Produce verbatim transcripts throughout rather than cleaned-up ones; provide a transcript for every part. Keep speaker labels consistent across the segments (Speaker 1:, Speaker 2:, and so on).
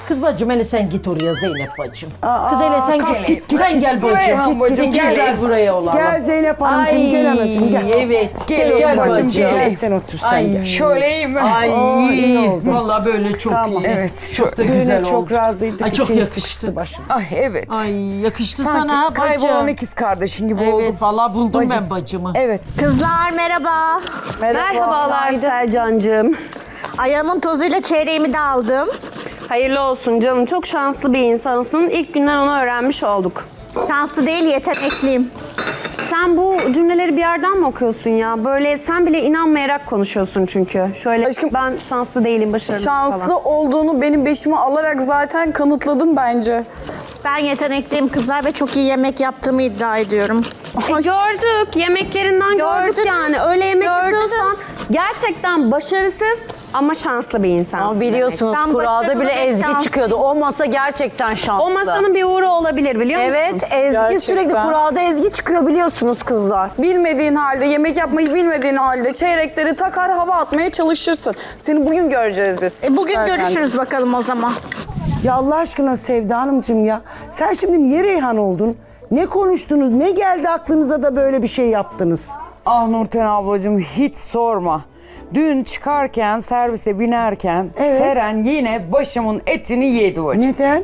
Speaker 1: Kız bacım hele sen git oraya Zeynep bacım.
Speaker 2: Aa,
Speaker 1: Kız hele sen
Speaker 2: kalk,
Speaker 1: git.
Speaker 2: git, git,
Speaker 1: sen
Speaker 2: git.
Speaker 1: gel
Speaker 2: Buraya
Speaker 1: bacım.
Speaker 2: bacım,
Speaker 1: Git,
Speaker 2: gel.
Speaker 1: gel buraya olalım.
Speaker 2: Gel Zeynep Hanımcığım,
Speaker 1: Ay,
Speaker 2: gel anacığım, gel.
Speaker 1: Evet.
Speaker 2: Gel,
Speaker 1: Gel,
Speaker 2: gel
Speaker 1: bacım
Speaker 2: bacım,
Speaker 1: gel.
Speaker 2: gel sen otur sen
Speaker 1: Ay,
Speaker 2: gel.
Speaker 3: Şöyle iyi mi?
Speaker 1: Ay
Speaker 2: Oo, iyi oldu.
Speaker 1: vallahi böyle çok
Speaker 2: Tamam.
Speaker 1: iyi.
Speaker 3: Evet,
Speaker 1: Çok da
Speaker 2: Düğüne
Speaker 1: güzel
Speaker 2: çok
Speaker 1: oldu.
Speaker 2: razıydık.
Speaker 1: Ay çok
Speaker 2: ikimiz
Speaker 1: yakıştı.
Speaker 2: sıkıştı başım.
Speaker 3: Ay evet.
Speaker 1: Ay yakıştı
Speaker 3: Sanki
Speaker 1: sana
Speaker 3: kaybolan
Speaker 1: bacım.
Speaker 3: ikiz kardeşin gibi
Speaker 1: Evet
Speaker 3: olduk.
Speaker 1: vallahi buldum
Speaker 3: Bacım.
Speaker 1: ben bacımı.
Speaker 3: Evet.
Speaker 4: Kızlar merhaba.
Speaker 5: Merhabalar Selcan'cığım.
Speaker 4: Ayağımın tozuyla çeyreğimi de aldım.
Speaker 5: Hayırlı olsun canım. Çok şanslı bir insansın. İlk günden onu öğrenmiş olduk.
Speaker 4: Şanslı değil, yetenekliyim.
Speaker 5: Sen bu cümleleri bir yerden mi okuyorsun ya? Böyle sen bile inanmayarak konuşuyorsun çünkü. Şöyle
Speaker 6: Aşkım,
Speaker 5: ben şanslı değilim, başarılı
Speaker 6: Şanslı
Speaker 5: falan.
Speaker 6: olduğunu benim beşime alarak zaten kanıtladın bence.
Speaker 4: Ben yetenekliyim kızlar ve çok iyi yemek yaptığımı iddia ediyorum.
Speaker 5: E, gördük. Yemeklerinden gördük
Speaker 4: Gördün.
Speaker 5: yani. Öyle yemek
Speaker 4: Gördün.
Speaker 5: yapıyorsan gerçekten başarısız ama şanslı bir insansın.
Speaker 7: Ama biliyorsunuz
Speaker 4: demek.
Speaker 7: kuralda
Speaker 4: Sen
Speaker 7: bile
Speaker 4: başarılı ve
Speaker 7: Ezgi
Speaker 4: şanslı.
Speaker 7: çıkıyordu. O masa gerçekten şanslı.
Speaker 5: O masanın bir uğru olabilir biliyor musun?
Speaker 7: Evet, Ezgi
Speaker 6: Gerçekten.
Speaker 7: sürekli kuralda Ezgi çıkıyor biliyorsunuz kızlar.
Speaker 6: Bilmediğin halde, yemek yapmayı bilmediğin halde çeyrekleri takar hava atmaya çalışırsın. Seni bugün göreceğiz biz.
Speaker 4: E bugün
Speaker 6: Serkan.
Speaker 4: görüşürüz bakalım o zaman.
Speaker 2: Ya Allah aşkına Sevda Hanımcığım ya. Sen şimdi niye Reyhan oldun? Ne konuştunuz? Ne geldi aklınıza da böyle bir şey yaptınız?
Speaker 3: Ah Nurten ablacığım hiç sorma. Dün çıkarken, servise binerken
Speaker 2: Evet.
Speaker 3: Seren yine başımın etini yedi bacım.
Speaker 2: Neden?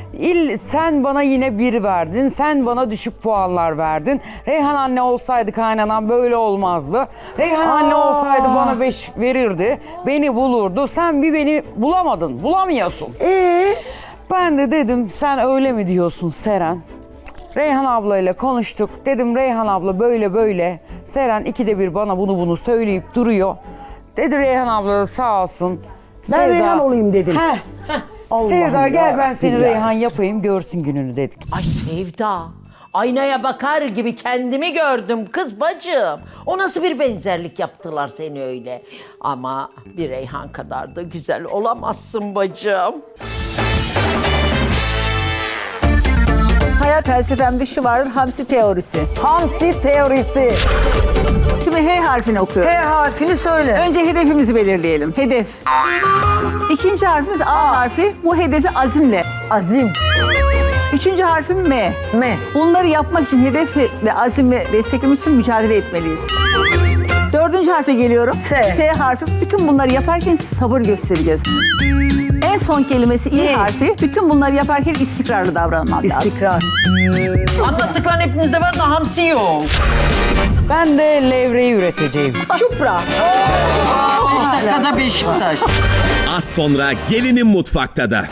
Speaker 3: İl, sen bana yine bir verdin, sen bana düşük puanlar verdin. Reyhan anne olsaydı kaynanan böyle olmazdı. Reyhan anne olsaydı bana beş verirdi, beni bulurdu. Sen bir beni bulamadın, bulamıyorsun.
Speaker 2: Ee,
Speaker 3: Ben de dedim sen öyle mi diyorsun Seren? Reyhan ablayla konuştuk. Dedim Reyhan abla böyle böyle. Seren ikide bir bana bunu bunu söyleyip duruyor. Dedi Reyhan abla da sağ olsun.
Speaker 2: Ben Reyhan olayım dedim.
Speaker 3: Heh.
Speaker 2: Allah'ım
Speaker 3: Sevda gel ben
Speaker 2: yarabbim
Speaker 3: seni
Speaker 2: ya.
Speaker 3: Reyhan yapayım görsün gününü dedik.
Speaker 1: Ay Sevda. Aynaya bakar gibi kendimi gördüm kız bacım. O nasıl bir benzerlik yaptılar seni öyle. Ama bir Reyhan kadar da güzel olamazsın bacım.
Speaker 8: Hayat felsefemde şu vardır, hamsi teorisi.
Speaker 3: Hamsi teorisi.
Speaker 8: Şimdi H harfini okuyorum.
Speaker 3: H harfini söyle.
Speaker 8: Önce hedefimizi belirleyelim. Hedef. İkinci harfimiz A, harfi. Bu hedefi azimle.
Speaker 7: Azim.
Speaker 8: Üçüncü harfim M.
Speaker 7: M.
Speaker 8: Bunları yapmak için hedefi ve azimi desteklemek için mücadele etmeliyiz. Dördüncü harfe geliyorum.
Speaker 7: S.
Speaker 8: S harfi. Bütün bunları yaparken sabır göstereceğiz. En son kelimesi İ
Speaker 7: İ.
Speaker 8: harfi. Bütün bunları yaparken istikrarlı davranmam lazım.
Speaker 7: İstikrar.
Speaker 1: Anlattıkların hepinizde var da hamsi yok.
Speaker 3: Ben de levreyi üreteceğim.
Speaker 1: Çupra. Beş dakikada Beşiktaş.
Speaker 9: Az sonra gelinin mutfakta da.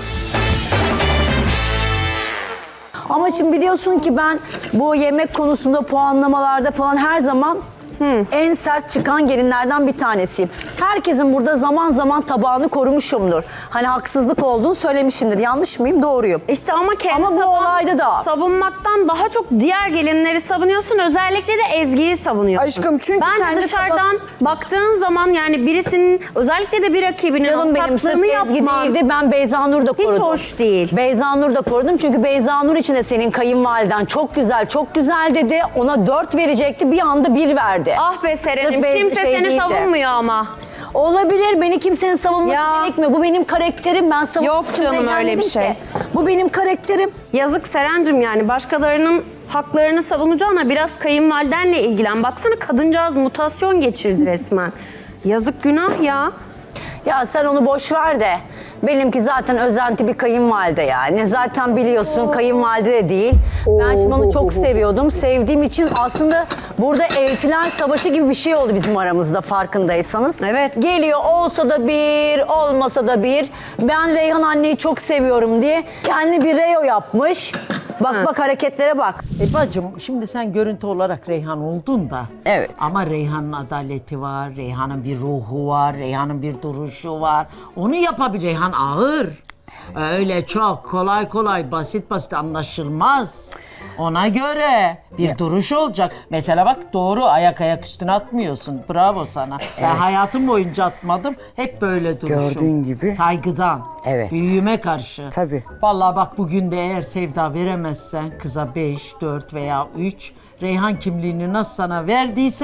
Speaker 7: Ama şimdi biliyorsun ki ben bu yemek konusunda puanlamalarda falan her zaman en sert çıkan gelinlerden bir tanesiyim. Herkesin burada zaman zaman tabağını korumuşumdur. Hani haksızlık olduğunu söylemişimdir. Yanlış mıyım? Doğruyum.
Speaker 5: İşte ama kendi
Speaker 7: Ama bu
Speaker 5: tabağını
Speaker 7: olayda da-
Speaker 5: savunmaktan daha çok diğer gelinleri savunuyorsun. Özellikle de Ezgi'yi savunuyorsun.
Speaker 6: Aşkım, çünkü
Speaker 5: Bence
Speaker 6: kendi
Speaker 5: dışarıdan baktığın zaman yani birisinin özellikle de bir rakibinin
Speaker 7: Canım benim sırf
Speaker 5: tatlığını
Speaker 7: Ezgi
Speaker 5: yapman
Speaker 7: değildi. Ben Beyza Nur da korudum.
Speaker 5: hiç hoş değil.
Speaker 7: Beyza Nur da korudum çünkü Beyza Nur için de senin kayınvaliden çok güzel, çok güzel dedi. Ona dört verecekti, bir anda bir verdi.
Speaker 5: Ah be Seren'im,
Speaker 7: Sırf Beyza
Speaker 5: kimse
Speaker 7: şey
Speaker 5: seni
Speaker 7: değildi.
Speaker 5: savunmuyor ama.
Speaker 7: Olabilir, beni kimsenin savunması
Speaker 5: Ya.
Speaker 7: gerekmiyor. Bu benim karakterim, ben savunmak
Speaker 5: Yok
Speaker 7: için
Speaker 5: canım,
Speaker 7: buraya
Speaker 5: öyle bir
Speaker 7: gelmedim
Speaker 5: şey.
Speaker 7: ki. Bu benim karakterim.
Speaker 5: Yazık Seren'cim yani başkalarının haklarını savunacağına biraz kayınvalidenle ilgilen. Baksana kadıncağız mutasyon geçirdi resmen. Yazık günah ya.
Speaker 7: Ya sen onu boş ver de. Benimki zaten özenti bir kayınvalide yani. Zaten biliyorsun kayınvalide de değil. Ben şimdi onu çok seviyordum. Sevdiğim için aslında burada eltiler savaşı gibi bir şey oldu bizim aramızda farkındaysanız.
Speaker 5: Evet.
Speaker 7: Geliyor olsa da bir, olmasa da bir. Ben Reyhan anneyi çok seviyorum diye kendi bir reo yapmış. Bak bak hareketlere bak.
Speaker 1: E bacım şimdi sen görüntü olarak Reyhan oldun da.
Speaker 3: Evet.
Speaker 1: Ama Reyhan'ın adaleti var, Reyhan'ın bir ruhu var, Reyhan'ın bir duruşu var. Onu yapabilir. Reyhan ağır. Öyle çok kolay kolay basit basit anlaşılmaz. Ona göre bir duruş olacak. Mesela bak doğru ayak ayak üstüne atmıyorsun. Bravo sana. Ben hayatım boyunca atmadım. Hep böyle duruşum.
Speaker 3: Gördüğün gibi.
Speaker 1: Saygıdan.
Speaker 3: Evet.
Speaker 1: Büyüğüme karşı.
Speaker 3: Tabii.
Speaker 1: Vallahi bak bugün de eğer Sevda veremezsen kıza beş, dört veya üç Reyhan kimliğini nasıl sana verdiysem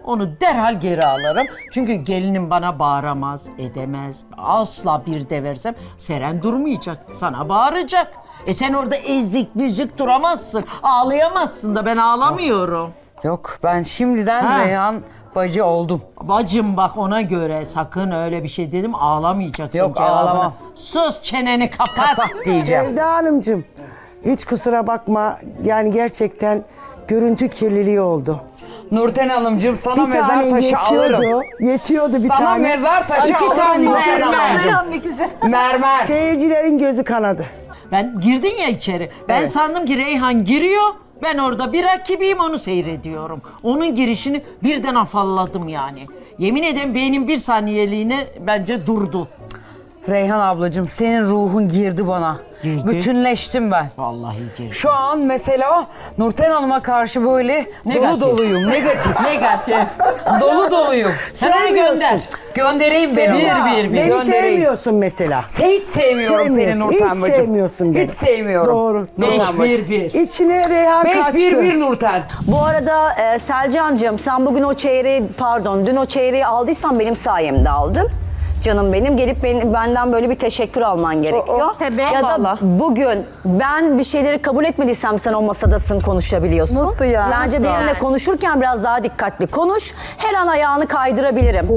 Speaker 1: onu derhal geri alırım. Çünkü gelinim bana bağıramaz, edemez. Asla bir de versem Seren durmayacak, sana bağıracak. E sen orada ezik büzük duramazsın, ağlayamazsın da ben ağlamıyorum.
Speaker 3: Yok ben şimdiden
Speaker 1: Ha.
Speaker 3: Reyhan bacı oldum.
Speaker 1: Bacım bak ona göre sakın öyle bir şey dedim ağlamayacaksın
Speaker 3: Yok,
Speaker 1: cevabına.
Speaker 3: ağlamam.
Speaker 1: Sus çeneni kapat.
Speaker 3: Kapat diyeceğim.
Speaker 2: Sevda Hanımcığım hiç kusura bakma yani gerçekten görüntü kirliliği oldu.
Speaker 3: Nurten Hanımcığım sana
Speaker 2: Bir
Speaker 3: mezar
Speaker 2: tane
Speaker 3: taşı
Speaker 2: yetiyordu.
Speaker 3: alırım.
Speaker 2: Yetiyordu bir
Speaker 3: Sana
Speaker 2: tane.
Speaker 3: mezar taşı
Speaker 2: İki
Speaker 3: alırım
Speaker 2: tane
Speaker 3: Nurten
Speaker 2: yetiyordu.
Speaker 3: Hanımcığım. Mermer.
Speaker 2: Seyircilerin gözü kanadı.
Speaker 1: Ben girdin ya içeri. Ben
Speaker 3: Evet.
Speaker 1: sandım ki Reyhan giriyor. Ben orada bir rakibiyim onu seyrediyorum. Onun girişini birden afalladım yani. Yemin ederim beynim bir saniyeliğine bence durdu.
Speaker 3: Reyhan ablacığım senin ruhun girdi bana.
Speaker 1: Girdi.
Speaker 3: Bütünleştim ben.
Speaker 1: Vallahi girdi.
Speaker 3: Şu an mesela Nurten Hanım'a karşı böyle
Speaker 1: Negatif.
Speaker 3: dolu doluyum. Negatif.
Speaker 1: Negatif.
Speaker 3: dolu doluyum.
Speaker 1: Sen onu
Speaker 2: Sevmiyorsun.
Speaker 1: gönder.
Speaker 3: Göndereyim ben onu.
Speaker 1: Bir, bir, bir.
Speaker 2: Beni
Speaker 3: Göndereyim.
Speaker 2: sevmiyorsun mesela.
Speaker 3: Hiç sevmiyorum seni
Speaker 2: Sevmiyorsun,
Speaker 3: Nurten
Speaker 2: hiç
Speaker 3: bacım.
Speaker 2: sevmiyorsun beni.
Speaker 3: Hiç sevmiyorum.
Speaker 2: Doğru.
Speaker 1: Beş,
Speaker 3: Nurten bacım.
Speaker 1: bir, bir.
Speaker 2: İçine Reyhan
Speaker 3: Beş
Speaker 2: kaçtı.
Speaker 3: bir bir Nurten.
Speaker 7: Bu arada e, Selcancığım sen bugün o çeyreği pardon dün o çeyreği aldıysan benim sayemde aldın. Canım benim gelip ben- benden böyle bir teşekkür alman gerekiyor.
Speaker 4: tabii.
Speaker 7: Ya da
Speaker 5: Vallahi.
Speaker 7: bugün ben bir şeyleri kabul etmediysem sen o masadasın konuşabiliyorsun.
Speaker 6: Nasıl ya?
Speaker 7: Bence
Speaker 6: Nasıl?
Speaker 7: benimle konuşurken biraz daha dikkatli konuş. Her an ayağını kaydırabilirim.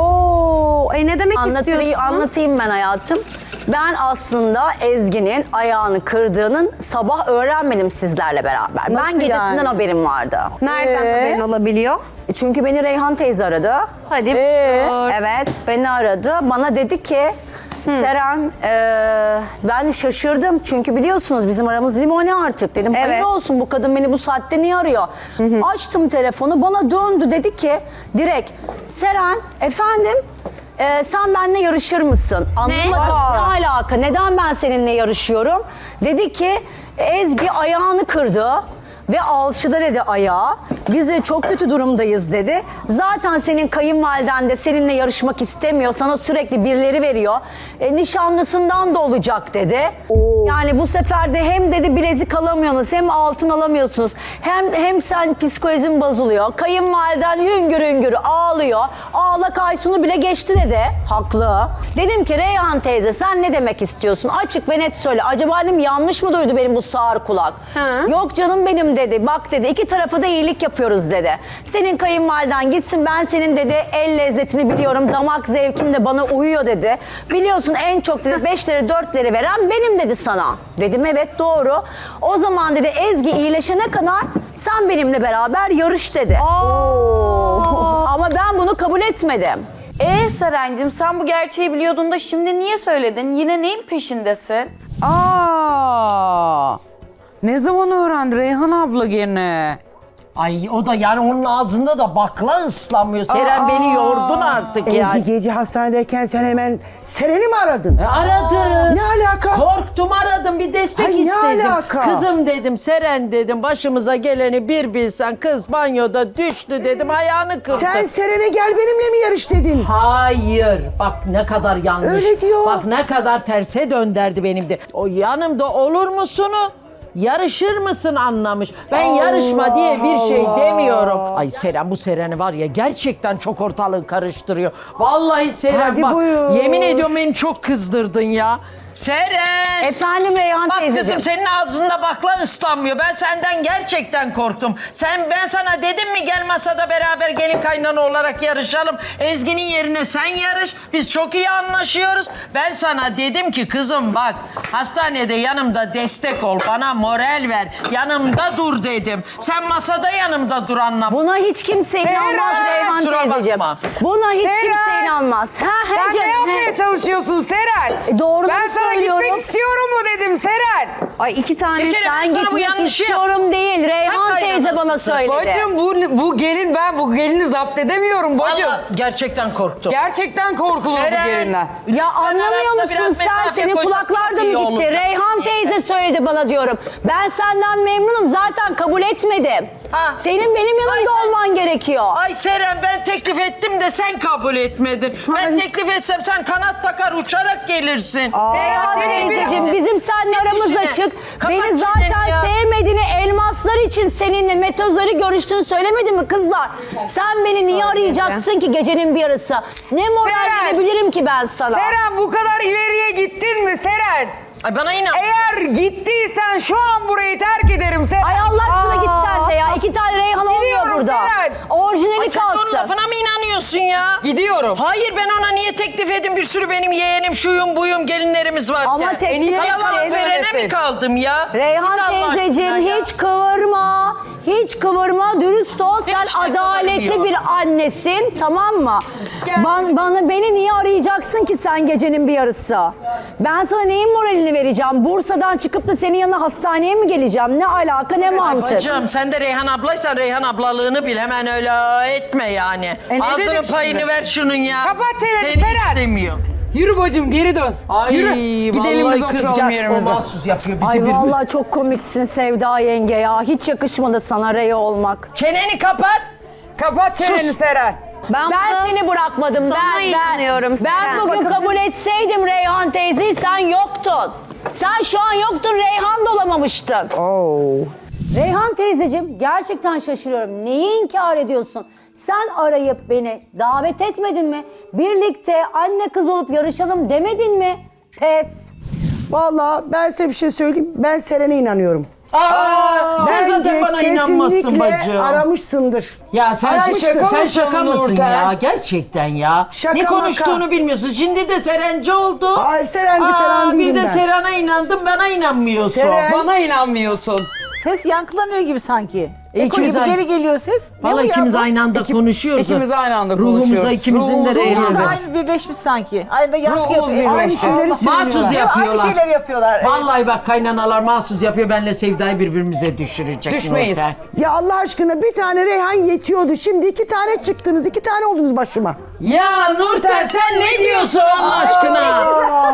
Speaker 5: Oo, e ne demek
Speaker 7: Anlatayım,
Speaker 5: istiyorsun?
Speaker 7: anlatayım ben hayatım. Ben aslında Ezgi'nin ayağını kırdığının sabah öğrenmedim sizlerle beraber. ben
Speaker 6: Nasıl
Speaker 7: gecesinden
Speaker 6: yani?
Speaker 7: haberim vardı.
Speaker 5: Nereden
Speaker 7: Ee?
Speaker 5: haberin olabiliyor?
Speaker 7: Çünkü beni Reyhan teyze aradı.
Speaker 5: Hadi.
Speaker 7: Ee?
Speaker 5: sor.
Speaker 7: Evet, beni aradı. Bana dedi ki, Seren, eee, ben şaşırdım. Çünkü biliyorsunuz bizim aramız limoni artık. Dedim, hayır
Speaker 5: Evet.
Speaker 7: olsun bu kadın beni bu saatte niye arıyor? Açtım telefonu, bana döndü. Dedi ki, direkt, Seren, efendim, eee, sen benimle yarışır mısın? Anlamadım.
Speaker 5: Aa.
Speaker 7: Ne alaka? Neden ben seninle yarışıyorum? Dedi ki, Ezgi ayağını kırdı. Ve alçıda dedi ayağı. Biz de çok kötü durumdayız dedi. Zaten senin kayınvaliden de seninle yarışmak istemiyor. Sana sürekli birileri veriyor. E, nişanlısından da olacak dedi. Yani bu sefer de hem dedi bilezik alamıyorsunuz hem altın alamıyorsunuz. Hem hem sen psikolojin bozuluyor. Kayınvaliden hüngür hüngür ağlıyor. Ağlak Aysun'u bile geçti dedi. Haklı. Dedim ki Reyhan teyze sen ne demek istiyorsun? Açık ve net söyle. Acaba dedim yanlış mı duydu benim bu sağır kulak?
Speaker 5: Hı.
Speaker 7: Yok canım benim dedi. Bak dedi iki tarafa da iyilik yapıyoruz dedi. Senin kayınvaliden gitsin ben senin dedi el lezzetini biliyorum. Damak zevkim de bana uyuyor dedi. Biliyorsun en çok dedi beşleri dörtleri veren benim dedi sana. Dedim evet doğru. O zaman dedi Ezgi iyileşene kadar sen benimle beraber yarış dedi. Ama ben bunu kabul etmedim.
Speaker 6: Ee Serencim sen bu gerçeği biliyordun da şimdi niye söyledin? Yine neyin peşindesin?
Speaker 3: Aa! Ne zaman öğrendi Reyhan abla gene?
Speaker 1: Ay o da yani onun ağzında da bakla ıslanmıyor. Seren beni yordun artık
Speaker 2: Ezgi
Speaker 1: ya.
Speaker 2: gece hastanedeyken sen hemen Seren'i mi aradın?
Speaker 1: E, Aradım.
Speaker 2: Ne alaka?
Speaker 1: Korktum aradım bir destek
Speaker 2: Ay, ne
Speaker 1: istedim.
Speaker 2: alaka?
Speaker 1: Kızım dedim Seren dedim başımıza geleni bir bilsen kız banyoda düştü dedim ayağını kırdı.
Speaker 2: Sen Seren'e gel benimle mi yarış dedin?
Speaker 1: Hayır. Bak ne kadar yanlış.
Speaker 2: Öyle diyor.
Speaker 1: Bak ne kadar terse dönderdi benim de. O yanımda olur musunu? Yarışır mısın anlamış. Ben yarışma diye bir şey demiyorum. Ay Seren bu Seren'i var ya gerçekten çok ortalığı karıştırıyor. Vallahi Seren
Speaker 2: Hadi
Speaker 1: bak
Speaker 2: buyur.
Speaker 1: yemin ediyorum beni çok kızdırdın ya. Seren!
Speaker 7: Efendim Reyhan
Speaker 1: Bak
Speaker 7: teyzeciğim.
Speaker 1: kızım senin ağzında bakla ıslanmıyor. Ben senden gerçekten korktum. Sen ben sana dedim mi gel masada beraber gelin kaynana olarak yarışalım. Ezgi'nin yerine sen yarış. Biz çok iyi anlaşıyoruz. Ben sana dedim ki kızım bak hastanede yanımda destek ol. Bana moral ver. Yanımda dur dedim. Sen masada yanımda dur anlam.
Speaker 7: Buna hiç kimse inanmaz
Speaker 1: Seren!
Speaker 7: Reyhan
Speaker 1: Kusura
Speaker 7: teyzeciğim.
Speaker 1: bakma.
Speaker 7: Buna hiç
Speaker 3: Seren!
Speaker 7: kimse inanmaz. Ha, he
Speaker 3: Sen ne
Speaker 7: canım,
Speaker 3: yapmaya
Speaker 7: he.
Speaker 3: çalışıyorsun Seren?
Speaker 7: E, doğruları
Speaker 3: Ben sana
Speaker 7: söylüyorum.
Speaker 3: gitmek istiyorum mu dedim Seren?
Speaker 5: Ay iki tane.
Speaker 1: Bir kere ben
Speaker 7: Ben
Speaker 1: sana bu
Speaker 7: gitmek
Speaker 1: yanlışı yap-
Speaker 7: istiyorum değil. Reyhan
Speaker 1: Hep
Speaker 7: teyze bana
Speaker 1: kaynanasısın.
Speaker 7: söyledi.
Speaker 3: Bacım bu, bu gelin ben bu gelini zapt edemiyorum bacım.
Speaker 1: Vallahi gerçekten korktum.
Speaker 3: Gerçekten korkulur bu
Speaker 1: Seren!
Speaker 3: gelinler.
Speaker 7: Ya anlamıyor
Speaker 1: arasında
Speaker 7: musun
Speaker 1: biraz
Speaker 7: sen?
Speaker 1: mesafe
Speaker 7: Senin
Speaker 1: koysak
Speaker 7: kulaklar da
Speaker 1: çok
Speaker 7: mı
Speaker 1: iyi
Speaker 7: gitti?
Speaker 1: olurdu.
Speaker 7: Reyhan teyze söyledi bana diyorum. Ben senden memnunum. Zaten kabul etmedim.
Speaker 1: Ha.
Speaker 7: Senin benim yanımda
Speaker 1: Ay,
Speaker 7: olman gerekiyor.
Speaker 1: Ay Seren ben teklif ettim de sen kabul etmedin. Ben teklif etsem sen kanat takar uçarak gelirsin.
Speaker 7: Reyhan
Speaker 3: Seni bir-
Speaker 7: teyzeciğim bizim seninle
Speaker 1: Git
Speaker 7: aramız
Speaker 1: işine.
Speaker 7: açık.
Speaker 1: Kapat
Speaker 7: Beni
Speaker 1: çeneni
Speaker 7: zaten
Speaker 1: ya.
Speaker 7: sevmediğini, elmaslar için seninle metozları görüştüğünü söylemedin mi kızlar? Sen beni niye arayacaksın ki gecenin bir yarısı? Ne moral
Speaker 3: Seren.
Speaker 7: verebilirim ki ben sana?
Speaker 3: Seren bu kadar ileriye gittin mi Seren?
Speaker 1: Ay bana inan.
Speaker 3: Eğer gittiysen şu an burayı terk ederim Seren.
Speaker 7: Ay Allah aşkına
Speaker 3: Aa.
Speaker 7: git sen de ya. İki tane Reyhan olmuyor
Speaker 3: Gidiyorum
Speaker 7: burada.
Speaker 3: Seren.
Speaker 7: Orijinali
Speaker 1: Ay sen onun
Speaker 7: kalsın.
Speaker 1: lafına mı inanıyorsun ya?
Speaker 3: Gidiyorum.
Speaker 1: Hayır ben ona niye teklif edeyim bir sürü benim yeğenim şuyum buyum gelinlerimiz var.
Speaker 7: Ama
Speaker 1: ya.
Speaker 7: teklif
Speaker 1: Yalan
Speaker 7: ettin.
Speaker 1: verene mi kaldım ya?
Speaker 7: Reyhan
Speaker 1: Git Allah
Speaker 7: teyzeciğim
Speaker 1: aşkına ya.
Speaker 7: hiç kıvırma. Hiç kıvırma, dürüst ol. Sen
Speaker 1: işte
Speaker 7: adaletli
Speaker 1: kıvırmıyor.
Speaker 7: bir annesin, tamam mı? Ban, bana beni niye arayacaksın ki sen gecenin bir yarısı? Ben sana neyin moralini vereceğim? Bursa'dan çıkıp da senin yanına hastaneye mi geleceğim? Ne alaka, ne mantık?
Speaker 1: Bacım sen de Reyhan ablaysan Reyhan ablalığını bil hemen öyle etme yani.
Speaker 3: E ne
Speaker 1: Ağzının
Speaker 3: dedim
Speaker 1: payını
Speaker 3: şimdi?
Speaker 1: ver şunun ya.
Speaker 3: Kapat çeneni,
Speaker 1: Seni
Speaker 3: Seren.
Speaker 1: istemiyor.
Speaker 3: Yürü bacım geri dön.
Speaker 1: Ay
Speaker 3: Yürü. Gidelim
Speaker 1: vallahi
Speaker 3: biz
Speaker 1: kız
Speaker 3: oturalım
Speaker 1: gel. O
Speaker 3: yerimize.
Speaker 1: mahsus yapıyor bizi
Speaker 7: Ay
Speaker 1: bir.
Speaker 7: vallahi çok komiksin Sevda yenge ya. Hiç yakışmadı sana Rey olmak.
Speaker 1: Çeneni kapat.
Speaker 3: Kapat çeneni Seren.
Speaker 7: Ben, ben seni bırakmadım.
Speaker 5: Sana
Speaker 7: Ben ben.
Speaker 5: inanıyorum
Speaker 7: Ben
Speaker 5: Seren.
Speaker 7: bugün kabul etseydim Reyhan teyzeyi sen yoktun. Sen şu an yoktun, Reyhan da olamamıştın. Reyhan teyzeciğim gerçekten şaşırıyorum. Neyi inkar ediyorsun? Sen arayıp beni davet etmedin mi? Birlikte anne kız olup yarışalım demedin mi? Pes.
Speaker 2: Vallahi ben size bir şey söyleyeyim. Ben Seren'e inanıyorum.
Speaker 1: Aa, sen zaten bana inanmazsın
Speaker 2: kesinlikle
Speaker 1: bacım.
Speaker 2: aramışsındır.
Speaker 1: Ya sen
Speaker 2: Aramıştır.
Speaker 1: şaka, sen şaka
Speaker 3: mısın
Speaker 1: mısın
Speaker 3: Nurten?
Speaker 1: ya? Gerçekten ya.
Speaker 2: Şaka
Speaker 1: ne konuştuğunu
Speaker 2: maka.
Speaker 1: bilmiyorsun. Şimdi de Serenci oldu.
Speaker 2: Ay, Serenci falan değilim
Speaker 1: Bir de
Speaker 2: ben.
Speaker 1: Seren'e inandım, bana inanmıyorsun.
Speaker 2: Seren-
Speaker 3: Bana inanmıyorsun.
Speaker 8: Ses yankılanıyor gibi sanki. Eko
Speaker 1: İkimiz
Speaker 8: gibi
Speaker 1: aynı-
Speaker 8: geri geliyor ses. Ne
Speaker 1: Vallahi
Speaker 8: bu ya
Speaker 1: ikimiz
Speaker 8: bu?
Speaker 1: aynı anda konuşuyoruz.
Speaker 3: ikimiz aynı anda
Speaker 1: Ruhumuza
Speaker 3: konuşuyoruz.
Speaker 1: ikimizin de
Speaker 3: Ruhumuz-
Speaker 1: Reyhan.
Speaker 8: Ruhumuz
Speaker 1: da.
Speaker 8: aynı birleşmiş sanki. Aynı da yankı
Speaker 3: Ruhumuz
Speaker 8: yapıyor.
Speaker 3: birleşmiş.
Speaker 8: Aynı şeyleri
Speaker 2: Şeyleri
Speaker 8: söylüyorlar.
Speaker 1: Mahsus
Speaker 8: Değil mi?
Speaker 1: yapıyorlar.
Speaker 8: Aynı şeyleri yapıyorlar. Evet.
Speaker 1: Vallahi bak kaynanalar mahsus yapıyor. Benle Sevda'yı birbirimize düşürecek.
Speaker 3: Düşmeyiz.
Speaker 1: Nurten.
Speaker 2: Ya Allah aşkına bir tane Reyhan yetiyordu. Şimdi iki tane çıktınız. iki tane oldunuz başıma.
Speaker 1: Ya Nurten sen ne diyorsun Allah aşkına?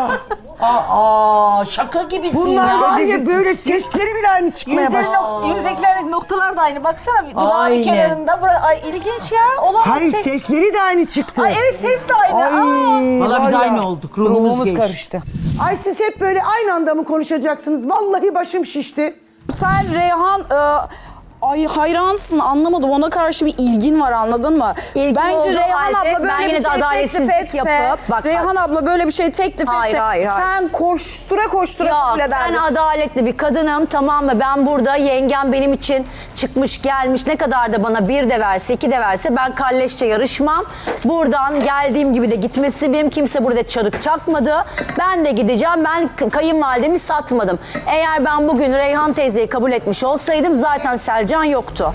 Speaker 1: Aa, şaka gibisin
Speaker 2: Bunlar
Speaker 1: ya.
Speaker 2: var ya böyle sesleri bile aynı çıkmaya
Speaker 8: Yüzleri
Speaker 2: başladı.
Speaker 8: nok- yüzdekiler noktalar da aynı. Baksana dudağının
Speaker 1: Aynen.
Speaker 8: kenarında. Bura, ay ilginç ya. Olamaz.
Speaker 2: Hayır
Speaker 8: Ses-
Speaker 2: sesleri de aynı çıktı.
Speaker 8: Ay evet ses de aynı.
Speaker 2: Ay,
Speaker 8: Aa.
Speaker 1: Valla biz
Speaker 2: var ya.
Speaker 1: aynı olduk. Ruhumuz,
Speaker 3: Ruhumuz
Speaker 1: geçti.
Speaker 3: karıştı.
Speaker 2: Ay siz hep böyle aynı anda mı konuşacaksınız? Vallahi başım şişti.
Speaker 6: Sen Reyhan e, ay hayransın, anlamadım. Ona karşı bir ilgin var, anladın mı?
Speaker 7: İlgin
Speaker 6: Bence
Speaker 7: olduğu
Speaker 6: Reyhan
Speaker 7: halde
Speaker 6: abla
Speaker 7: ben
Speaker 6: böyle
Speaker 7: yine
Speaker 6: bir
Speaker 7: de
Speaker 6: şey teklif
Speaker 7: adaletsizlik
Speaker 6: etse,
Speaker 7: yapıp- bak, bak.
Speaker 6: Reyhan abla böyle bir şey teklif
Speaker 7: Hayır,
Speaker 6: etse,
Speaker 7: hayır, hayır.
Speaker 6: sen koştura koştura
Speaker 7: Yok,
Speaker 6: kabul
Speaker 7: ben
Speaker 6: ederdin.
Speaker 7: adaletli bir kadınım, tamam mı? Ben burada yengem benim için çıkmış gelmiş, ne kadar da bana bir de verse iki de verse ben kalleşçe yarışmam. Buradan geldiğim gibi de gitmesi benim, kimse burada çarık çakmadı. Ben de gideceğim, ben k- kayınvalidemi satmadım. Eğer ben bugün Reyhan teyzeyi kabul etmiş olsaydım zaten Selcan yoktu.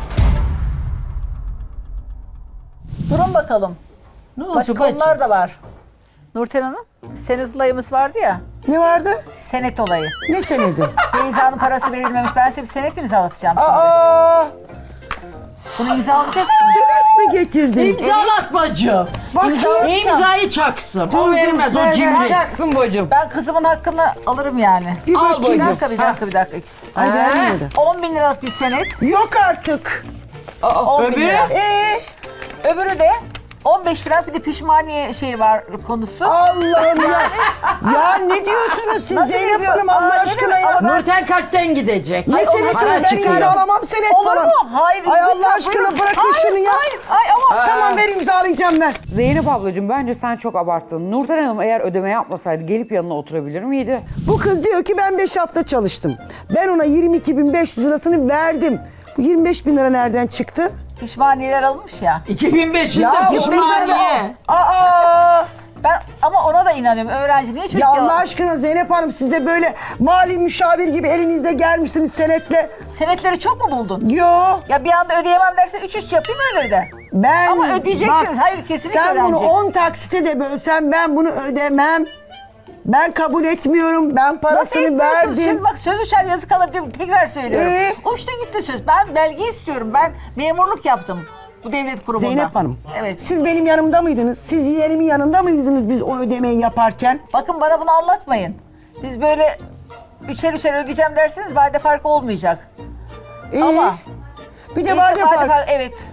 Speaker 8: Durun bakalım.
Speaker 1: Ne oldu
Speaker 8: Başka
Speaker 1: bacım?
Speaker 8: konular da var. Nurten Hanım, senet olayımız vardı ya.
Speaker 2: Ne vardı?
Speaker 8: Senet olayı.
Speaker 2: Ne senedi?
Speaker 8: Beyza'nın parası verilmemiş. Ben size bir senet imzalatacağım. şimdi.
Speaker 2: Aa,
Speaker 8: Bunu imzalayacaksınız.
Speaker 2: senet mi getirdin?
Speaker 1: İmzalat bacım.
Speaker 2: Bak
Speaker 1: Ne imzayı çaksın.
Speaker 2: Dur,
Speaker 1: O
Speaker 2: dur,
Speaker 1: vermez
Speaker 2: ver,
Speaker 1: o
Speaker 2: ver.
Speaker 1: cimri.
Speaker 3: Çaksın bacım.
Speaker 8: Ben kızımın hakkını alırım yani.
Speaker 2: Bir
Speaker 3: Al
Speaker 2: bakayım.
Speaker 8: Bir
Speaker 3: bacım.
Speaker 8: dakika, bir dakika, bir dakika.
Speaker 2: Ay vermedi.
Speaker 8: on bin liralık bir senet.
Speaker 2: Yok artık.
Speaker 8: on bin
Speaker 1: öbürü?
Speaker 8: lira.
Speaker 2: Ee,
Speaker 8: Öbürü de on beş liralık bir de pişmaniye şeyi var konusu.
Speaker 2: Allah'ım ya. Ya ne diyorsunuz siz
Speaker 8: Nasıl
Speaker 2: Zeynep
Speaker 8: diyor?
Speaker 2: Hanım
Speaker 8: Aa,
Speaker 2: Allah
Speaker 8: ne
Speaker 2: aşkına
Speaker 8: demek?
Speaker 2: ya?
Speaker 8: Ama ben-
Speaker 1: Nurten kalpten gidecek.
Speaker 2: Ne
Speaker 1: Ay,
Speaker 2: seneti?
Speaker 1: para
Speaker 2: Ben
Speaker 1: çıkıyor.
Speaker 2: imzalamam senet
Speaker 8: Olur
Speaker 2: falan.
Speaker 8: mu? Hayır.
Speaker 2: Ay
Speaker 8: lütfen,
Speaker 2: Allah aşkına
Speaker 8: buyurun.
Speaker 2: bırakın
Speaker 8: Hayır,
Speaker 2: şunu ya.
Speaker 8: Hayır, hayır ama
Speaker 2: Tamam ver imzalayacağım ben.
Speaker 3: Zeynep ablacığım bence sen çok abarttın. Nurten Hanım eğer ödeme yapmasaydı gelip yanına oturabilir miydi?
Speaker 2: Bu kız diyor ki ben beş hafta çalıştım. Ben ona yirmi iki bin beş yüz lirasını verdim. Bu yirmi beş bin lira nereden çıktı?
Speaker 8: pişmaniyeler alınmış ya.
Speaker 1: iki bin beş yüz
Speaker 2: Ya
Speaker 1: de
Speaker 2: bu
Speaker 1: pişmaniye.
Speaker 2: Aa!
Speaker 8: Ben ama ona da inanıyorum. Öğrenci niye çocuk
Speaker 2: Ya Allah
Speaker 8: yalan-
Speaker 2: aşkına Zeynep Hanım siz de böyle mali müşavir gibi elinizde gelmişsiniz senetle.
Speaker 8: Senetleri çok mu buldun?
Speaker 2: Yo
Speaker 8: Ya bir anda ödeyemem dersen üç üç yapayım öyle de.
Speaker 2: ben...
Speaker 8: Ama ödeyeceksiniz. Hayır, kesinlikle
Speaker 2: Sen bunu
Speaker 8: ödenecek.
Speaker 2: on taksite de bölsen ben bunu ödemem. Ben kabul etmiyorum. Ben
Speaker 8: Nasıl
Speaker 2: parasını
Speaker 8: etmiyorsun?
Speaker 2: verdim.
Speaker 8: Şimdi bak söz uçar yazı kalır diyorum. Tekrar söylüyorum.
Speaker 2: Ee?
Speaker 8: Uçtu gitti söz. Ben belge istiyorum. Ben memurluk yaptım. Bu devlet kurumunda.
Speaker 2: Zeynep Hanım.
Speaker 8: Evet.
Speaker 2: Siz benim yanımda mıydınız? Siz yeğenimin yanında mıydınız biz o ödemeyi yaparken?
Speaker 8: Bakın bana bunu anlatmayın. Biz böyle üçer üçer ödeyeceğim derseniz vade farkı olmayacak.
Speaker 2: Ee,
Speaker 8: Ama
Speaker 2: bir de
Speaker 8: Neyse,
Speaker 2: vade farkı.
Speaker 8: farkı- Evet.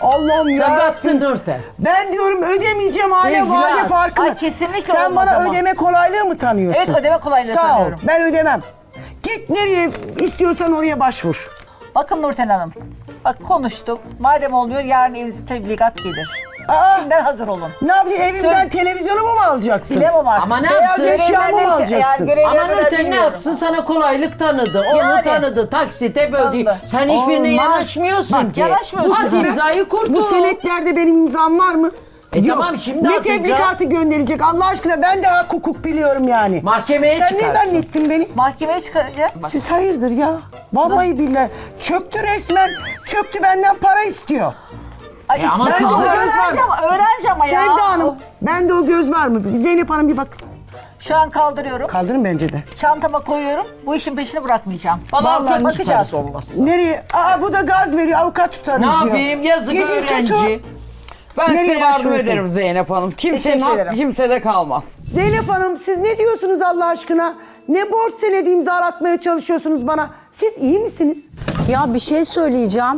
Speaker 2: Allah'ım ya.
Speaker 1: Sen battın Nurten.
Speaker 2: Ben diyorum ödemeyeceğim aile
Speaker 1: İflas.
Speaker 2: vade farkını.
Speaker 10: Ay, kesinlikle
Speaker 2: Sen
Speaker 10: olmaz
Speaker 2: bana
Speaker 10: ama.
Speaker 2: ödeme kolaylığı mı tanıyorsun?
Speaker 10: Evet, ödeme kolaylığı
Speaker 2: Sağ
Speaker 10: tanıyorum.
Speaker 2: ol, ben ödemem. Git nereye istiyorsan oraya başvur.
Speaker 10: Bakın Nurten Hanım. Bak konuştuk. Madem olmuyor yarın evinize tebligat gelir.
Speaker 2: Aa,
Speaker 10: Şimdiden hazır olun.
Speaker 2: ne yapacaksın? Evimden
Speaker 10: Söyle.
Speaker 2: televizyonumu mu alacaksın?
Speaker 10: Bilemem artık.
Speaker 1: Ama ne
Speaker 2: Beyaz
Speaker 1: yapsın?
Speaker 2: eşyamı mı
Speaker 10: Görevlerine-
Speaker 2: alacaksın?
Speaker 10: yani görevlerine
Speaker 1: Ama
Speaker 10: kadar
Speaker 1: Nurten ne
Speaker 10: bilmiyorum.
Speaker 1: yapsın? Sana kolaylık tanıdı. Onu
Speaker 10: Yani.
Speaker 1: tanıdı. Taksite böldü.
Speaker 10: Tanıdı.
Speaker 1: Sen hiçbirine
Speaker 2: Olmaz.
Speaker 1: yanaşmıyorsun
Speaker 2: Bak,
Speaker 1: ki.
Speaker 10: yanaşmıyorsun.
Speaker 1: At imzayı kurtul.
Speaker 2: Bu senetlerde benim imzam var mı?
Speaker 1: E tamam, şimdi
Speaker 2: Ne
Speaker 1: atacağım.
Speaker 2: tebligatı gönderecek Allah aşkına, ben de hak hukuk biliyorum yani.
Speaker 1: Mahkemeye
Speaker 2: Sen
Speaker 1: çıkarsın.
Speaker 2: ne zannettin beni?
Speaker 10: Mahkemeye çıkaracak.
Speaker 2: Siz hayırdır ya? Vallahi billahi çöktü resmen. Çöktü, benden para istiyor.
Speaker 10: Ay,
Speaker 1: E ama
Speaker 10: ben
Speaker 1: kızım-
Speaker 10: öğreneceğim, öğreneceğim ama ya.
Speaker 2: Sevda Hanım, bende o göz var mı? Zeynep Hanım bir bak.
Speaker 10: Şu an kaldırıyorum.
Speaker 2: Kaldırın bence de.
Speaker 10: Çantama koyuyorum. Bu işin peşini bırakmayacağım.
Speaker 1: Vallahi
Speaker 10: bakacağız.
Speaker 1: olmasın.
Speaker 2: Nereye? Aa, bu da gaz veriyor, avukat tutarız
Speaker 1: Ne
Speaker 2: diyor.
Speaker 1: yapayım? Yazık
Speaker 2: Gidin
Speaker 1: öğrenci.
Speaker 2: tutun.
Speaker 3: Ben
Speaker 2: Nereye
Speaker 3: size yardım
Speaker 2: başvuruyorsun?
Speaker 3: ederim Zeynep Hanım. Kimsenin
Speaker 10: Teşekkür
Speaker 3: hakkı
Speaker 10: ederim.
Speaker 3: kimsede kalmaz.
Speaker 2: Zeynep Hanım, siz ne diyorsunuz Allah aşkına? Ne borç senedi imzalatmaya çalışıyorsunuz bana? Siz iyi misiniz?
Speaker 7: Ya bir şey söyleyeceğim.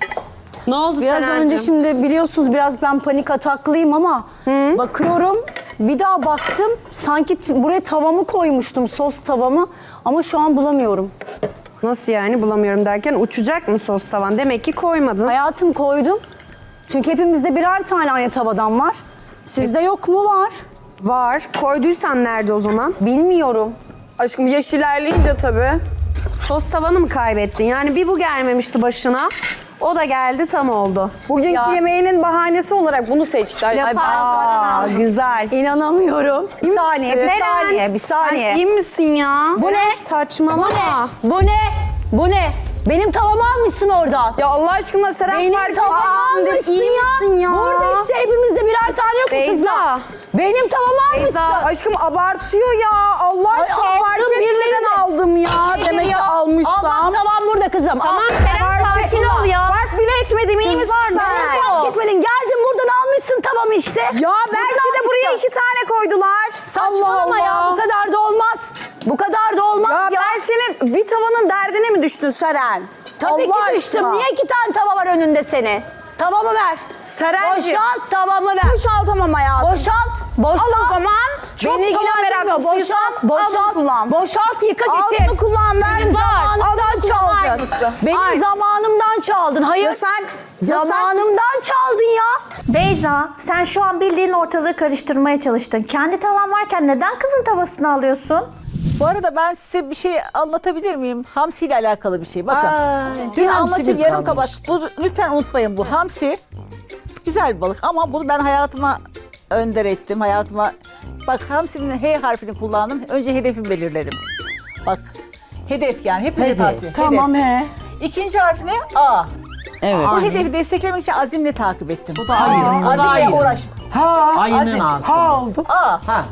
Speaker 5: Ne oldu
Speaker 7: Biraz
Speaker 5: Seren'cim?
Speaker 7: önce şimdi biliyorsunuz biraz ben panik ataklıyım ama bakıyorum, bir daha baktım, sanki t- buraya tavamı koymuştum, sos tavamı, ama şu an bulamıyorum.
Speaker 5: Nasıl yani bulamıyorum derken uçacak mı sos tavan? Demek ki koymadın.
Speaker 7: Hayatım, koydum. Çünkü hepimizde birer tane aynı tavadan var. Sizde yok mu? Var.
Speaker 5: Var. Koyduysan nerede o zaman?
Speaker 7: Bilmiyorum.
Speaker 6: Aşkım yaş ilerleyince tabii.
Speaker 5: Sos tavanı mı kaybettin? Yani bir bu gelmemişti başına. O da geldi, tam oldu.
Speaker 6: Bugünkü
Speaker 7: Ya.
Speaker 6: yemeğinin bahanesi olarak bunu seçti. Ay,
Speaker 7: Ay, aa, güzel. İnanamıyorum. Bir saniye, bir
Speaker 5: Neren?
Speaker 7: saniye, bir saniye.
Speaker 5: Sen iyi misin ya?
Speaker 7: Bu ne?
Speaker 5: Saçmalama.
Speaker 7: Bu ne? Bu ne? Benim tavamı almışsın oradan.
Speaker 6: Ya Allah aşkına Seren
Speaker 7: Benim
Speaker 6: fark
Speaker 7: tavamı
Speaker 6: etmemişsindir.
Speaker 7: almışsın
Speaker 6: İyi
Speaker 7: ya.
Speaker 6: misin ya?
Speaker 7: Burada işte hepimizde birer tane yok mu
Speaker 5: Beyza.
Speaker 7: kızlar? Benim tavamı
Speaker 5: Beyza.
Speaker 7: almışsın.
Speaker 6: Aşkım abartıyor ya. Allah
Speaker 7: Ay,
Speaker 6: aşkına
Speaker 7: aldım,
Speaker 6: fark etmeden
Speaker 7: birilerine.
Speaker 6: aldım ya.
Speaker 7: Nedir
Speaker 6: Demek ki
Speaker 7: ya?
Speaker 6: almışsam.
Speaker 7: Al bak, tavam burada kızım.
Speaker 5: Tamam
Speaker 7: Al.
Speaker 5: Seren, sakin ol ya.
Speaker 6: Fark bile etmedim, iyi misin
Speaker 5: Kızlar,
Speaker 6: sen?
Speaker 5: ne
Speaker 7: Sen
Speaker 5: oluyor?
Speaker 7: fark etmedin. Geldin buradan almışsın tavamı işte.
Speaker 6: Ya belki de buraya iki tane koydular.
Speaker 7: Saçmalama
Speaker 6: Allah
Speaker 7: ya,
Speaker 6: Allah.
Speaker 7: bu kadar da olmaz. Bu kadar da olmaz
Speaker 6: Ya,
Speaker 7: ya.
Speaker 6: ben senin bir tavanın derdine mi düştün Seren?
Speaker 7: Tabii
Speaker 6: Allah
Speaker 7: ki düştüm.
Speaker 6: aşkına.
Speaker 7: Niye iki tane tava var önünde senin? Tavamı ver.
Speaker 6: Serenciğim.
Speaker 7: Boşalt, tavamı ver.
Speaker 6: Boşaltamam hayatım.
Speaker 7: Boşalt, boşalt.
Speaker 6: Al o zaman. Çok
Speaker 7: Beni
Speaker 6: tava
Speaker 7: ilgilendirmiyor.
Speaker 6: meraklısıysan
Speaker 7: Boşalt,
Speaker 6: al bunu
Speaker 7: boşalt,
Speaker 6: kullan.
Speaker 7: boşalt, yıka getir.
Speaker 6: Al bunu kullan, ver.
Speaker 7: Benim
Speaker 6: Al
Speaker 7: zamanımdan
Speaker 6: bunu kullan,
Speaker 7: çaldın.
Speaker 6: aynısı.
Speaker 7: Benim
Speaker 6: Aynısı.
Speaker 7: zamanımdan çaldın. Hayır.
Speaker 6: Ya sen- ya sen-
Speaker 7: zamanımdan çaldın ya.
Speaker 4: Beyza, sen şu an bildiğin ortalığı karıştırmaya çalıştın. Kendi tavan varken neden kızın tavasını alıyorsun?
Speaker 10: Bu arada ben size bir şey anlatabilir miyim? Hamsi ile alakalı bir şey. Bakın. Dün
Speaker 1: hamsimiz
Speaker 10: anlatayım yarım
Speaker 1: kalmış.
Speaker 10: kabak. Bu, lütfen unutmayın bu. Hamsi güzel bir balık ama bunu ben hayatıma önder ettim. Hayatıma bak hamsinin H harfini kullandım. Önce hedefi belirledim. Bak hedef yani hepinize
Speaker 1: Hedef.
Speaker 10: tavsiye.
Speaker 2: Tamam
Speaker 10: Hedef.
Speaker 2: he.
Speaker 10: İkinci harfi ne? A.
Speaker 1: Evet.
Speaker 10: Bu hedefi desteklemek için azimle takip ettim. Bu
Speaker 1: da ayın, bu da
Speaker 10: Azimle
Speaker 1: ayın.
Speaker 10: uğraş.
Speaker 2: Ha.
Speaker 1: Ayının
Speaker 10: Azim.
Speaker 1: ağzı.
Speaker 2: Ha oldu.
Speaker 10: A.
Speaker 1: Ha.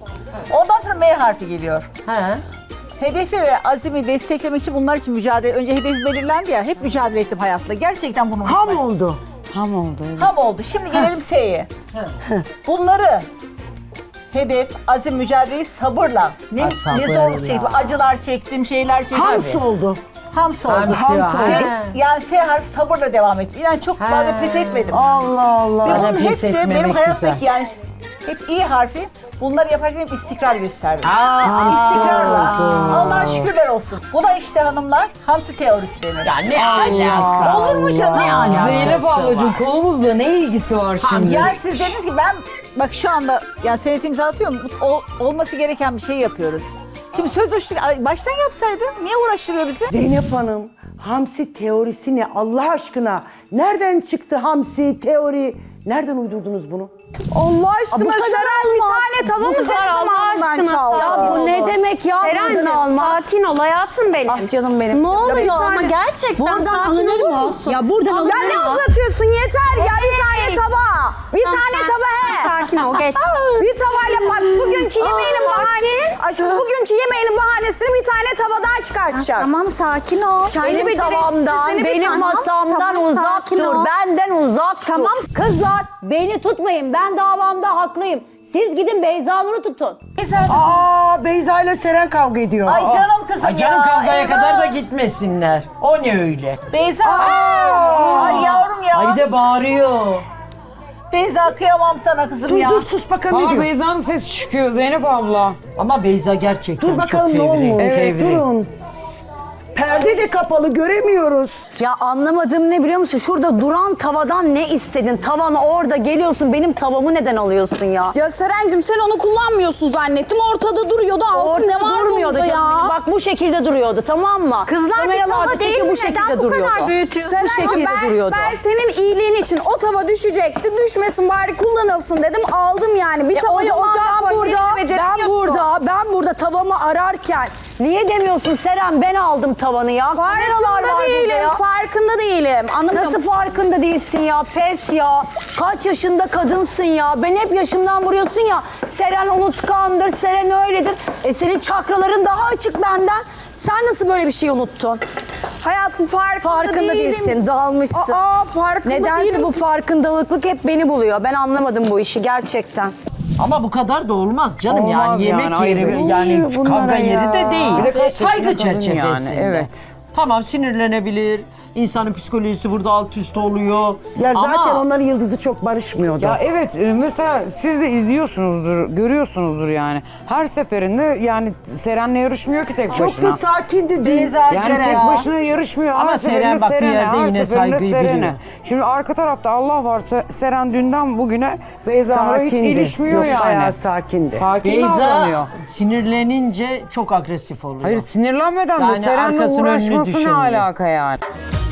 Speaker 10: Ondan sonra M harfi geliyor.
Speaker 1: Ha.
Speaker 10: Hedefi ve azimi desteklemek için bunlar için mücadele. Önce hedefi belirlendi ya. Hep mücadele ettim hayatla. Gerçekten bunu
Speaker 2: Ham
Speaker 10: unutmayın.
Speaker 2: oldu.
Speaker 3: Tam oldu. Evet.
Speaker 10: Ham oldu. Şimdi gelelim S'ye. Bunları hedef, azim, mücadeleyi sabırla. Ne,
Speaker 1: Ay,
Speaker 10: ne
Speaker 1: sabır
Speaker 10: zor
Speaker 1: ya.
Speaker 10: şey. Acılar çektim, şeyler çektim.
Speaker 2: Hams oldu.
Speaker 10: Hams oldu.
Speaker 1: Hamsi
Speaker 10: Hams
Speaker 1: var.
Speaker 10: oldu.
Speaker 1: He.
Speaker 10: Yani S harfi sabırla devam ettim. Yani çok
Speaker 1: He.
Speaker 10: fazla pes etmedim.
Speaker 2: Allah Allah.
Speaker 10: Ve
Speaker 1: Zaten
Speaker 10: bunun
Speaker 1: pes
Speaker 10: hepsi
Speaker 1: etmemek
Speaker 10: benim hayattaki
Speaker 1: güzel.
Speaker 10: yani hep iyi harfi. Bunları yaparken hep istikrar gösterdim.
Speaker 1: Aa,
Speaker 10: İstikrarla. Allah'a şükürler olsun. Bu da işte hanımlar hamsi teorisi denir.
Speaker 1: Ya ne alaka?
Speaker 10: Olur mu canım?
Speaker 1: Ne alakası
Speaker 3: Zeynep
Speaker 1: var?
Speaker 3: ablacığım konumuzla ne ilgisi var şimdi?
Speaker 10: Yani siz dediniz ki ben bak şu anda yani senet imzalatıyorum. O, olması gereken bir şey yapıyoruz. Şimdi söz uçtuk. Ay, baştan yapsaydın niye uğraştırıyor bizi?
Speaker 2: Zeynep Hanım, hamsi teorisi ne Allah aşkına? Nereden çıktı hamsi teori? Nereden uydurdunuz bunu?
Speaker 6: Allah
Speaker 7: Aa,
Speaker 6: aşkına
Speaker 7: bu kadar
Speaker 6: Seren bir
Speaker 7: olmaz.
Speaker 6: tane tava mı
Speaker 5: Bu
Speaker 6: senin
Speaker 5: kadar Allah
Speaker 6: zamanından
Speaker 5: aşkına.
Speaker 6: çaldı?
Speaker 7: Ya bu ne demek ya,
Speaker 5: Serencim
Speaker 7: buradan alma.
Speaker 5: sakin ol hayatım benim.
Speaker 7: Ah canım benim.
Speaker 5: Ne oluyor
Speaker 6: bir
Speaker 5: ama
Speaker 6: saniye.
Speaker 5: gerçekten
Speaker 7: Buradan
Speaker 5: sakin
Speaker 7: alınır
Speaker 5: olur
Speaker 7: mı?
Speaker 5: musun?
Speaker 7: Ya buradan
Speaker 5: Allah-
Speaker 7: alınır
Speaker 6: Ya ne
Speaker 7: mı?
Speaker 6: uzatıyorsun yeter ya bir
Speaker 5: Hey.
Speaker 6: tane tava. Bir
Speaker 5: Tamam,
Speaker 6: tane
Speaker 5: sen-
Speaker 6: tava he.
Speaker 5: Sakin ol geç.
Speaker 6: Bir tavayla bak bugünkü yemeğinin bahane. Aşkım bugünkü yemeğinin bahanesini bir tane tavadan çıkartacak.
Speaker 4: Tamam, sakin ol.
Speaker 6: Kendi
Speaker 7: Benim
Speaker 6: beceriksizliğini
Speaker 7: tavamdan,
Speaker 6: bir
Speaker 7: benim
Speaker 6: tane-
Speaker 7: masamdan
Speaker 4: Tamam,
Speaker 7: uzak
Speaker 4: sakin
Speaker 7: dur.
Speaker 4: ol.
Speaker 7: Benden uzak
Speaker 4: Tamam.
Speaker 7: dur. Kızlar, beni tutmayın. Ben davamda haklıyım. Siz gidin Beyza Nur'u tutun.
Speaker 2: Aa Beyza ile Seren kavga ediyor.
Speaker 10: Ay canım kızım
Speaker 1: Ay canım
Speaker 10: ya.
Speaker 1: kavgaya
Speaker 10: eyvah.
Speaker 1: kadar da gitmesinler. O ne öyle?
Speaker 10: Beyza. Ay yavrum ya.
Speaker 1: Ay bir de bağırıyor.
Speaker 10: Beyza kıyamam sana kızım
Speaker 2: Dur
Speaker 10: ya.
Speaker 2: dur sus bakalım ne
Speaker 3: Aa,
Speaker 2: diyor.
Speaker 3: Beyza'nın sesi çıkıyor Zeynep abla.
Speaker 1: Ama Beyza gerçekten
Speaker 2: Dur bakalım
Speaker 1: çok
Speaker 2: ne
Speaker 1: fevri.
Speaker 2: olmuş.
Speaker 1: Fevri.
Speaker 2: Durun. Perde de kapalı göremiyoruz.
Speaker 7: Ya anlamadığım ne biliyor musun? Şurada duran tavadan ne istedin? Tavanı orada geliyorsun. Benim tavamı neden alıyorsun ya?
Speaker 6: Ya Serencim sen onu kullanmıyorsun zannettim. Ortada duruyordu. Altın
Speaker 7: Ortada
Speaker 6: ne var
Speaker 7: durmuyordu
Speaker 6: bunda
Speaker 7: canım.
Speaker 6: ya?
Speaker 7: Bak bu şekilde duruyordu, tamam mı?
Speaker 4: Kızlar bir
Speaker 7: Kameralarda
Speaker 4: tava değil
Speaker 7: çünkü
Speaker 4: mi?
Speaker 7: bu şekilde
Speaker 4: Neden bu
Speaker 7: duruyordu.
Speaker 4: kadar büyütüyorsun?
Speaker 7: Bu
Speaker 6: Serencim,
Speaker 7: şekilde
Speaker 6: ben,
Speaker 7: duruyordu.
Speaker 6: ben senin iyiliğin için o tava düşecekti. Düşmesin bari kullanılsın dedim. Aldım yani. Bir
Speaker 7: E o
Speaker 6: tavayı
Speaker 7: zaman
Speaker 6: ocağa
Speaker 7: ben
Speaker 6: koy,
Speaker 7: burada,
Speaker 6: hiç beceremiyorsun.
Speaker 7: ben burada, ben burada tavamı ararken niye demiyorsun Seren ben aldım tavanı ya? Kameralar
Speaker 6: Farkında
Speaker 7: var burada
Speaker 6: değilim,
Speaker 7: ya.
Speaker 6: farkında değilim. Anlamıyor
Speaker 7: Nasıl
Speaker 6: musun?
Speaker 7: farkında değilsin ya? Pes ya. Kaç yaşında kadınsın ya? Ben hep yaşımdan vuruyorsun ya. Seren unutkandır, Seren öyledir. E senin çakraların daha açık benden. Sen nasıl böyle bir şey unuttun?
Speaker 6: Hayatım farkında,
Speaker 7: Farkında
Speaker 6: değilim.
Speaker 7: değilsin, dalmışsın.
Speaker 6: Aa farkında
Speaker 7: Nedense
Speaker 6: değilim.
Speaker 7: bu farkındalıklık hep beni buluyor. Ben anlamadım bu işi gerçekten.
Speaker 1: Ama bu kadar da olmaz canım
Speaker 3: Olmaz
Speaker 1: yani yemek
Speaker 3: yani,
Speaker 1: yeri
Speaker 3: ayıp.
Speaker 1: yani
Speaker 2: Oluyor bunlara
Speaker 1: kavga
Speaker 2: ya.
Speaker 1: yeri de değil.
Speaker 3: Bir de kaç yaşında
Speaker 1: Saygı
Speaker 3: kadın
Speaker 1: çerçevesinde.
Speaker 3: yani, evet.
Speaker 1: Tamam sinirlenebilir. İnsanın psikolojisi burada alt üst oluyor.
Speaker 2: Ya zaten
Speaker 1: Ama
Speaker 2: onların yıldızı çok barışmıyordu.
Speaker 3: Ya evet e, mesela siz de izliyorsunuzdur, görüyorsunuzdur yani. Her seferinde yani Seren'le yarışmıyor ki tek
Speaker 2: çok
Speaker 3: başına.
Speaker 2: da sakindi dün.
Speaker 10: Beyza
Speaker 3: Yani
Speaker 10: Seren
Speaker 3: tek
Speaker 10: ya.
Speaker 3: başına yarışmıyor.
Speaker 1: Ama
Speaker 3: Her
Speaker 1: Seren
Speaker 3: seferinde
Speaker 1: bak bir
Speaker 3: Seren'e,
Speaker 1: yerde
Speaker 3: her
Speaker 1: yine
Speaker 3: seferinde
Speaker 1: saygıyı
Speaker 3: Seren'e.
Speaker 1: biliyor.
Speaker 3: Şimdi arka tarafta Allah var. Se- Seren dünden bugüne Beyza'yla hiç
Speaker 2: Sakindi.
Speaker 3: ilişmiyor
Speaker 2: Yok,
Speaker 3: yani.
Speaker 2: bayağı sakindi.
Speaker 3: Sakin
Speaker 1: Beyza
Speaker 3: davranıyor.
Speaker 1: sinirlenince çok agresif oluyor.
Speaker 3: Hayır sinirlenmeden
Speaker 1: Yani
Speaker 3: de Seren'le
Speaker 1: arkasını önünü
Speaker 3: uğraşması ne
Speaker 1: düşünmüyor.
Speaker 3: alaka yani?